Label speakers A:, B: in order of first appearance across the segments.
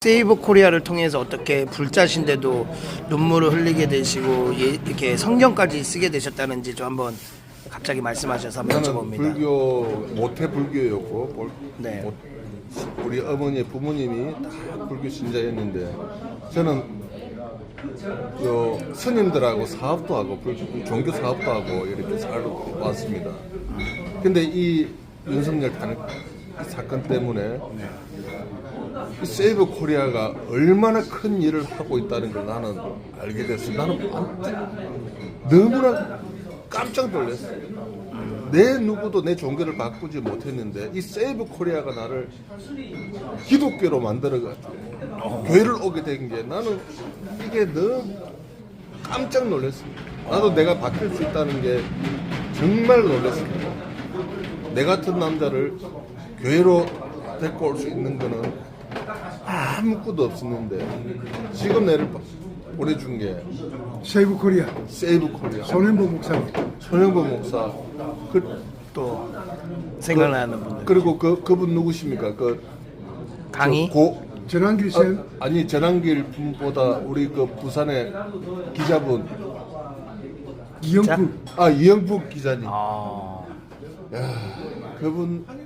A: 세이브 코리아를 통해서 어떻게 불자신데도 눈물을 흘리게 되시고 이렇게 성경까지 쓰게 되셨다는지 좀 한번 갑자기 말씀하셔서 한번
B: 저는
A: 여쭤봅니다.
B: 불교 모태 불교였고
A: 네.
B: 우리 어머니 부모님이 다 불교 신자였는데 저는 스님들하고 사업도 하고 종교 사업도 하고 이렇게 살아왔습니다. 근데 이 윤석열 탄핵 사건 때문에 이 세이브 코리아가 얼마나 큰 일을 하고 있다는 걸 나는 알게 됐어. 나는 너무나 깜짝 놀랐어요. 내 누구도 내 종교를 바꾸지 못했는데 이 세이브 코리아가 나를 기독교로 만들어가지고 교회를 오게 된 게 나는 이게 너무 깜짝 놀랐습니다. 나도 내가 바뀔 수 있다는 게 정말 놀랐습니다. 내 같은 남자를 교회로 데리고 올 수 있는 거는 아무것도 없었는데 지금 내를 보내준 게
C: 세이브 코리아
B: 세이브 코리아
C: 손현보 목사님.
B: 손영보 목사
A: 또 생각나는 분들.
B: 그리고 그분 누구십니까?
A: 강의?
C: 전환길 쌤.
B: 아니 전환길 분보다 우리 그 부산의 기자분
C: 이영풀.
B: 이영국 기자님.
A: 아,
B: 그분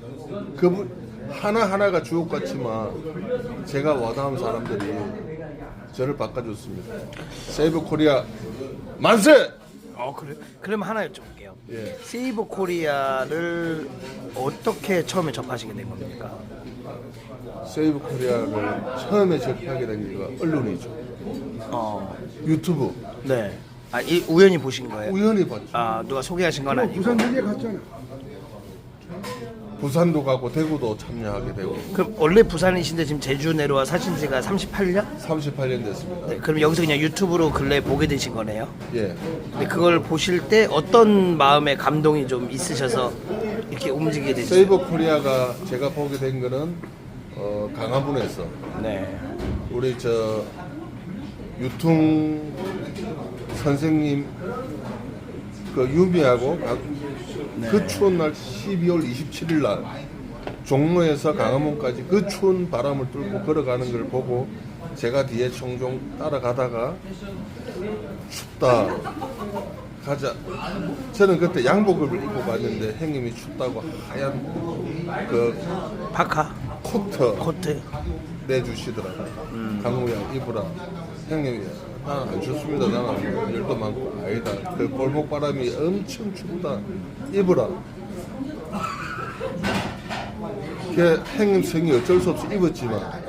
B: 하나하나가 주옥 같지만 제가 와닿은 사람들이 저를 바꿔줬습니다. 세이브 코리아 만세!
A: 그래? 그럼 하나 여쭤볼게요.
B: 예.
A: 세이브 코리아를 어떻게 처음에 접하시게 된 겁니까?
B: 세이브 코리아를 처음에 접하게 된 게가 언론이죠. 유튜브
A: 네. 우연히 보신 거예요?
B: 우연히 봤죠.
A: 누가 소개하신 건 아니고.
C: 부산 전에 갔잖아.
B: 부산도 가고 대구도 참여하게 되고
A: 그럼 원래 부산이신데 지금 제주 내려와 사신 지가 38년?
B: 38년 됐습니다.
A: 네, 그럼 여기서 그냥 유튜브로 근래 보게 되신 거네요?
B: 예.
A: 근데 그걸 보실 때 어떤 마음의 감동이 좀 있으셔서 이렇게 움직이게 되죠?
B: 세이버 코리아가 제가 보게 된 거는 강화문에서
A: 네.
B: 우리 유통 선생님 유미하고 그 추운 날 12월 27일 날 종로에서 강화문까지 그 추운 바람을 뚫고 걸어가는 걸 보고 제가 뒤에 종종 따라가다가 춥다 가자. 저는 그때 양복을 입고 갔는데 형님이 춥다고 하얀
A: 파카? 코트?
B: 내주시더라고요. 강우야 입으라. 형님이 나는 안 춥습니다. 나는 열도 많고 아니다. 그 골목바람이 엄청 춥다. 입으라. 그 형님 성이 어쩔 수 없이 입었지만